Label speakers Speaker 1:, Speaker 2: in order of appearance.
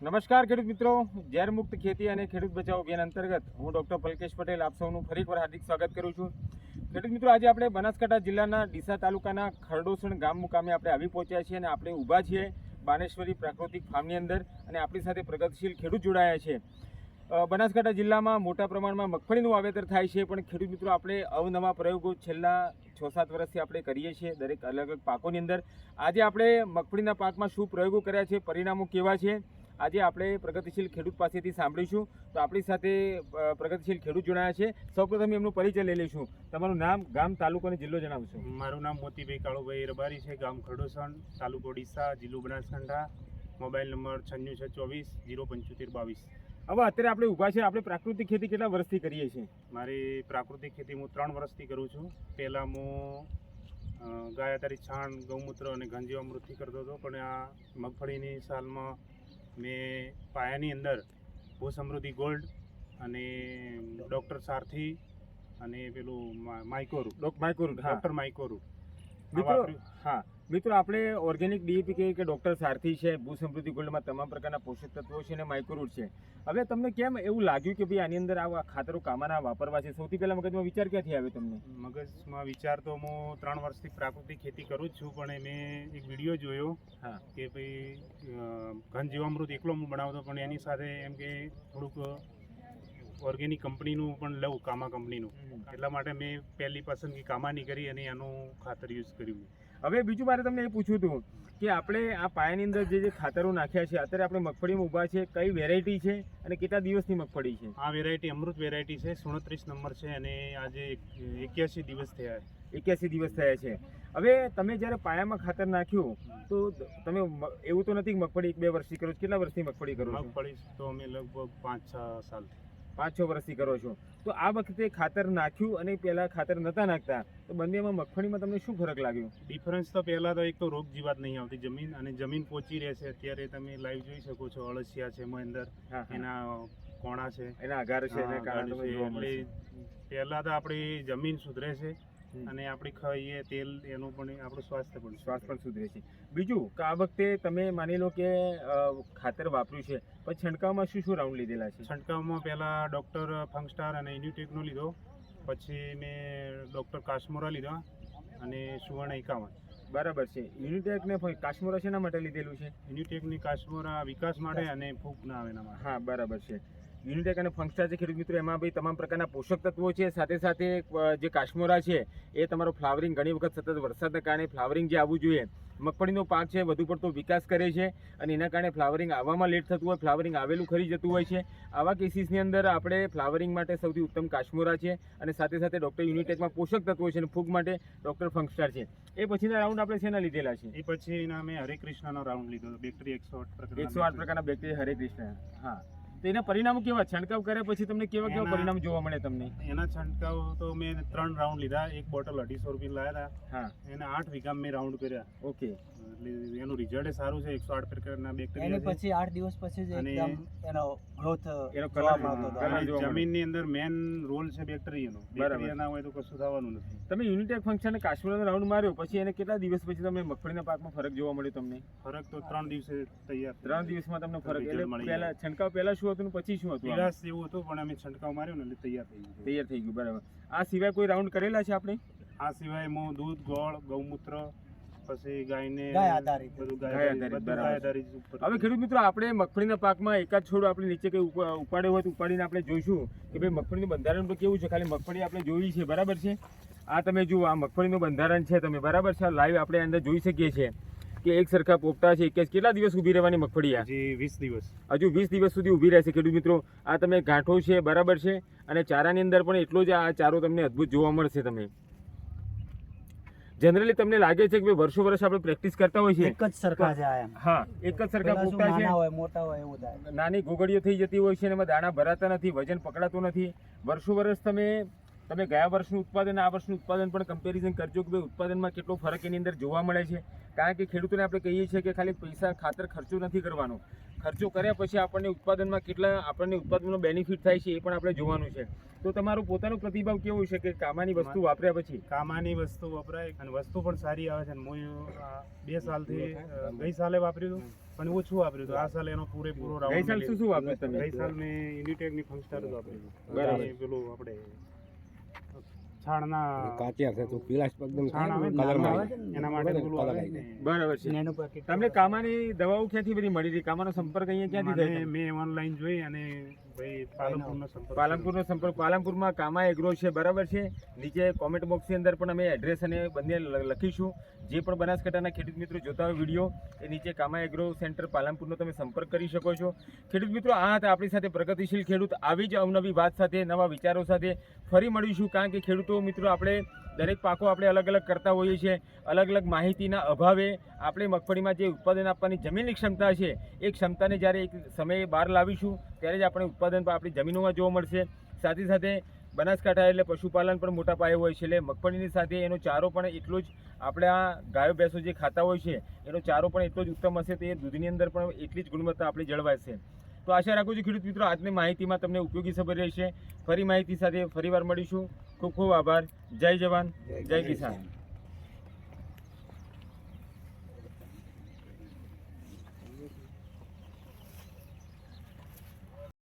Speaker 1: નમસ્કાર ખેડૂત મિત્રો, ઝેર મુક્ત ખેતી અને ખેડૂત બચાવ અભિયાન અંતર્ગત હું ડૉક્ટર પલકેશ પટેલ આપ સૌનું ફરી એકવાર હાર્દિક સ્વાગત કરું છું. ખેડૂત મિત્રો, આજે આપણે બનાસકાંઠા જિલ્લાના ડીસા તાલુકાના ખરડોસણ ગામ મુકામે આપણે આવી પહોંચ્યા છીએ અને આપણે ઊભા છીએ બાનેશ્વરી પ્રાકૃતિક ફાર્મની અંદર અને આપણી સાથે પ્રગતિશીલ ખેડૂત જોડાયા છે. બનાસકાંઠા જિલ્લામાં મોટા પ્રમાણમાં મગફળીનું વાવેતર થાય છે, પણ ખેડૂત મિત્રો આપણે અવનવા પ્રયોગો છેલ્લા 6-7 વર્ષથી આપણે કરીએ છીએ દરેક અલગ અલગ પાકોની અંદર. આજે આપણે મગફળીના પાકમાં શું પ્રયોગો કર્યા છે, પરિણામો કેવા છે, આજે આપણે પ્રગતિશીલ ખેડૂત પાસેથી સાંભળીશું. તો આપણી સાથે પ્રગતિશીલ ખેડૂત જોડાયા છે. સૌપ્રથમ એમનો પરિચય લઈ લઈશું. તમારું નામ, ગામ, તાલુકો અને જિલ્લો જણાવશો.
Speaker 2: મારું નામ મોતીભાઈ કાળુભાઈ રબારી છે, ગામ ખરડોસણ, તાલુકો ડીસા, જિલ્લો બનાસકાંઠા, મોબાઈલ નંબર 9624 07522.
Speaker 1: હવે અત્યારે આપણે ઊભા છે, આપણે પ્રાકૃતિક ખેતી કેટલા વર્ષથી કરીએ છીએ?
Speaker 2: મારી પ્રાકૃતિક ખેતી હું 3 વર્ષથી કરું છું. પહેલાં હું ગાય આધારિત છાણ, ગૌમૂત્ર અને ઘનજીવામૃતથી કરતો હતો, પણ આ મગફળીની સાલમાં મેં પાયાની અંદર ભૂ સમૃદ્ધિ ગોલ્ડ અને ડૉક્ટર સારથી અને પેલું ડૉક્ટર માઇકોરૂટ
Speaker 1: મિત્રો. હા મિત્રો, આપણે ઓર્ગેનિક ડીએપી કહીએ કે ડૉક્ટર સારથી છે, ભૂ સમૃદ્ધિ ગોલ્ડમાં તમામ પ્રકારના પોષક તત્વો છે અને માઇક્રોરૂટ છે. હવે તમને કેમ એવું લાગ્યું કે ભાઈ આની અંદર આ ખાતરો કામના વાપરવા છે? સૌથી પહેલાં મગજમાં વિચાર ક્યાંથી આવ્યો તમને?
Speaker 2: મગજમાં વિચાર તો હું 3 વર્ષથી પ્રાકૃતિક ખેતી કરું જ છું, પણ મેં એક વિડીયો જોયો કે ભાઈ ઘનજીવામૃત એકલો હું બનાવતો, પણ એની સાથે એમ કે થોડુંક ઓર્ગેનિક કંપનીનું પણ લઉં, કામા કંપનીનું. એટલા માટે મેં પહેલી પસંદગી કામાની કરી અને એનું ખાતર યુઝ કર્યું.
Speaker 1: હવે બીજું મારે તમને એ પૂછવું હતું કે આપણે આ પાયાની અંદર જે ખાતરો નાખ્યા છે, અત્યારે આપણે મગફળીમાં ઊભા છે, કઈ વેરાયટી છે અને કેટલા દિવસની મગફળી છે?
Speaker 2: આ વેરાયટી અમૃત વેરાયટી છે, 37 નંબર છે અને આજે 81 દિવસ થયા.
Speaker 1: 81 દિવસ થયા છે. હવે તમે જ્યારે પાયામાં ખાતર નાખ્યું તો તમે એવું તો નથી કે મગફળી 1-2 વર્ષથી કરો છો? કેટલા વર્ષથી મગફળી કરો છો?
Speaker 2: મગફળી તો અમે લગભગ 5-6 સાલથી
Speaker 1: 5-6 વર્ષથી કરો છો. તો આ વખતે ખાતર નાખ્યું અને પહેલાં ખાતર નહોતા નાખતા, તો બંનેમાં મગફળીમાં તમને શું ફરક લાગ્યો?
Speaker 2: ડિફરન્સ તો પહેલાં તો એક તો રોગ જીવાત નહીં આવતી જમીન, અને જમીન પોચી રહે છે. અત્યારે તમે લાઈવ જોઈ શકો છો, અળસિયા છે એમાં અંદર, એના કોણા છે, એના આઘાર છે, એટલે પહેલાં તો આપણી જમીન સુધરે છે અને આપણે ખાઈએ તેલ, એનું પણ આપણું સ્વાસ્થ્ય પણ
Speaker 1: સુધરે છે. બીજું કે આ વખતે તમે માની લો કે ખાતર વાપર્યું છે, પછી છંટકાવમાં શું રાઉન્ડ લીધેલા છે?
Speaker 2: છંટકાવમાં પહેલાં ડૉક્ટર ફંગસ્ટાર અને યુનિટેકનો લીધો, પછી મેં ડૉક્ટર કાશ્મોરા લીધા અને સુવર્ણ 51.
Speaker 1: બરાબર છે. યુનિટેક ને કાશ્મોરા શેના માટે લીધેલું છે?
Speaker 2: યુનિટેકની કાશ્મોરા વિકાસ માટે અને ફૂગ ના આવે એના માટે.
Speaker 1: હા, બરાબર છે. યુનિટેક અને ફંગસ્ટાર છે ખેડૂત મિત્રો, એમાં ભાઈ તમામ પ્રકારના પોષક તત્વો છે. સાથે સાથે જે કાશ્મોરા છે એ તમારો ફ્લાવરિંગ, ઘણી વખત સતત વરસાદના કારણે ફ્લાવરિંગ જે આવવું જોઈએ, મગફળીનો પાક છે વધુ પડતો વિકાસ કરે છે અને એના કારણે ફ્લાવરિંગ આવવામાં લેટ થતું હોય, ફ્લાવરિંગ આવેલું ખરી જતું હોય છે. આવા કેસીસની અંદર આપણે ફ્લાવરિંગ માટે સૌથી ઉત્તમ કાશ્મોરા છે અને સાથે સાથે ડૉક્ટર યુનિટેકમાં પોષક તત્વો છે અને ફૂગ માટે ડૉક્ટર ફંગસ્ટાર છે. એ પછીના રાઉન્ડ આપણે શેના લીધેલા છે?
Speaker 2: એ પછીના મેં હરે કૃષ્ણનો રાઉન્ડ લીધો, બેક્ટેરિયા
Speaker 1: 108 પ્રકારના બેક્ટેરિયા હરે કૃષ્ણ. હા, તો એના પરિણામો કેવા? છંટકાવ કર્યા પછી તમને કેવા પરિણામ જોવા મળે તમને?
Speaker 2: એના છંટકાવ તો મેં 3 રાઉન્ડ લીધા, એક બોટલ 250 રૂપિયા લાવ્યા હતા. હા, એના 8 વીઘા મેં રાઉન્ડ કર્યા.
Speaker 1: ઓકે,
Speaker 2: એટલે એનું રિઝલ્ટ સારું છે. 108 પ્રકારના બેક્ટેરિયા છે.
Speaker 3: પછી 8 દિવસ પછી જ એકદમ એનો ગ્રોથ,
Speaker 1: એનો કલર,
Speaker 2: જમીનની અંદર મેન રોલ છે બેક્ટેરિયાનો. બેક્ટેરિયા ના હોય તો કશું થવાનું નથી.
Speaker 1: તમે યુનિટેક ફંક્શન અને કાશ્મીરનો રાઉન્ડ માર્યો પછી એને કેટલા દિવસ પછી તમે મગફળીના પાકમાં ફરક જોવા મળ્યો તમને?
Speaker 2: ફરક તો 3 દિવસે તૈયાર.
Speaker 1: 3 દિવસમાં તમને ફરક. એટલે પહેલા છંટકાવ પહેલા શું હતું પછી શું હતું?
Speaker 2: પીળાશ જેવું હતું, પણ અમે છંટકાવ માર્યો ને એટલે તૈયાર થઈ ગયું.
Speaker 1: બરાબર. આ સિવાય કોઈ રાઉન્ડ કરેલા છે આપણે?
Speaker 2: આ સિવાય હું દૂધ, ગોળ, ગૌમૂત્ર, પછી ગાયને
Speaker 3: ગાય આધારિત.
Speaker 1: હવે ખેડૂત મિત્રો, આપણે મગફળીના પાકમાં એકાદ છોડ આપણે નીચે કઈ ઉપાડ્યો હોય તો ઉપાડીને આપણે જોઈશું કે ભાઈ મગફળીનું બંધારણ તો કેવું છે. ખાલી મગફળી આપણે જોઈ છે, બરાબર છે. આ તમે જુઓ, આ મગફળીનું બંધારણ છે, તમે બરાબર છે. લાઈવ આપણે અંદર જોઈ શકીએ છીએ કે એક સરખા પોપટા છે. કેટલા દિવસ ઊભી રહેવાની મગફળી?
Speaker 2: હજી 20 દિવસ.
Speaker 1: હજુ 20 દિવસ સુધી ઊભી રહેશે ખેડૂત મિત્રો. આ તમે ગાંઠો છે, બરાબર છે, અને ચારાની અંદર પણ એટલો જ આ ચારો તમને અદ્ભુત જોવા મળશે. તમે જનરલી તમને લાગે છે કે વર્ષો વર્ષ આપણે પ્રેક્ટિસ કરતા હોય છે,
Speaker 3: એક જ સરખા છે.
Speaker 1: હા, એક જ સરખા પોપટા છે,
Speaker 3: મોટા હોય એવું થાય,
Speaker 1: નાની ગોગડીઓ થઈ જતી હોય છે અને એમાં દાણા ભરાતા નથી, વજન પકડાતું નથી. વર્ષો વર્ષ તમે ગયા વર્ષનું ઉત્પાદન આ વર્ષનું ઉત્પાદન પણ કમ્પેરિઝન કરજો કે ભાઈ ઉત્પાદનમાં કેટલો ફરક એની અંદર જોવા મળે છે. કારણ કે ખેડૂતોને આપણે કહીએ છીએ કે ખાલી પૈસા ખાતર ખર્ચો નથી કરવાનો, ખર્ચો કર્યા પછી આપણને ઉત્પાદનમાં કેટલા આપણને ઉત્પાદનનો બેનિફિટ થાય છે એ પણ આપણે જોવાનું છે. તો તમારો પોતાનો પ્રતિભાવ કેવો છે કે કામાની વસ્તુ વાપર્યા પછી?
Speaker 2: કામાની વસ્તુ વપરાય અને વસ્તુ પણ સારી આવે છે. અને હું 2 સાલથી ગઈ સાલે વાપર્યું હતું પણ ઓછું વાપર્યું હતું. આ સાલ એનો પૂરેપૂરો રાઉન્ડ.
Speaker 1: ગઈ સાલ શું વાપર્યું તમે?
Speaker 2: ગઈ સાલ મેં યુનિટેકની ફંગસ્ટાર જ વાપર્યું હતું.
Speaker 1: બરાબર.
Speaker 2: અને પેલું આપણે છાણના
Speaker 4: કાચિયા છે તો પીળાશ એકદમ
Speaker 2: છાણ આવે ને,
Speaker 4: કલરમાં
Speaker 2: નાનું
Speaker 4: આવે.
Speaker 2: આવે ને, એના માટે પેલું આવે ને.
Speaker 1: બરાબર છે.
Speaker 3: એનું packet
Speaker 1: તમને કામાની દવાઓ ક્યાંથી બધી મળી હતી? કામાનો સંપર્ક અહીંયા ક્યાંથી
Speaker 2: મને
Speaker 1: થયો?
Speaker 2: મેં ઓનલાઈન જોઈ અને ભાઈ પાલનપુરનો સંપર્ક
Speaker 1: પાલનપુરનો સંપર્ક. પાલનપુરમાં કામા એગ્રો છે, બરાબર છે. નીચે કોમેન્ટ બોક્સની અંદર પણ અમે એડ્રેસ અને બંને લખીશું. જે પણ બનાસકાંઠાના ખેડૂત મિત્રો જોતા હોય વિડીયો, એ નીચે કામા એગ્રો સેન્ટર પાલનપુરનો તમે સંપર્ક કરી શકો છો. ખેડૂત મિત્રો, આ હતા આપણી સાથે પ્રગતિશીલ ખેડૂત. આવી જ અવનવી વાત સાથે, નવા વિચારો સાથે ફરી મળીશું. કારણ કે ખેડૂતો મિત્રો, આપણે દરેક પાકો આપણે અલગ અલગ કરતા હોઈએ છીએ. અલગ અલગ માહિતીના અભાવે આપણે મગફળીમાં જે ઉત્પાદન આપવાની જમીનની ક્ષમતા છે, એ ક્ષમતાને જ્યારે એક સમયે બહાર લાવીશું ત્યારે જ આપણે ઉત્પાદન પણ આપણી જમીનોમાં જોવા મળશે. સાથે સાથે બનાસકાંઠા એટલે પશુપાલન પણ મોટા પાયે હોય છે, એટલે મગફળીની સાથે એનો ચારો પણ એટલો જ, આપણે આ ગાયો ભેંસો જે ખાતા હોય છે એનો ચારો પણ એટલો જ ઉત્તમ હશે. તો એ દૂધની અંદર પણ એટલી જ ગુણવત્તા આપણી જળવાશે. તો આશા રાખું છું ખેડૂત મિત્રો, આજની માહિતીમાં તમને ઉપયોગી ખબર રહેશે. ફરી માહિતી સાથે ફરીવાર મળીશું. ખૂબ ખૂબ આભાર. જય જવાન, જય કિસાન.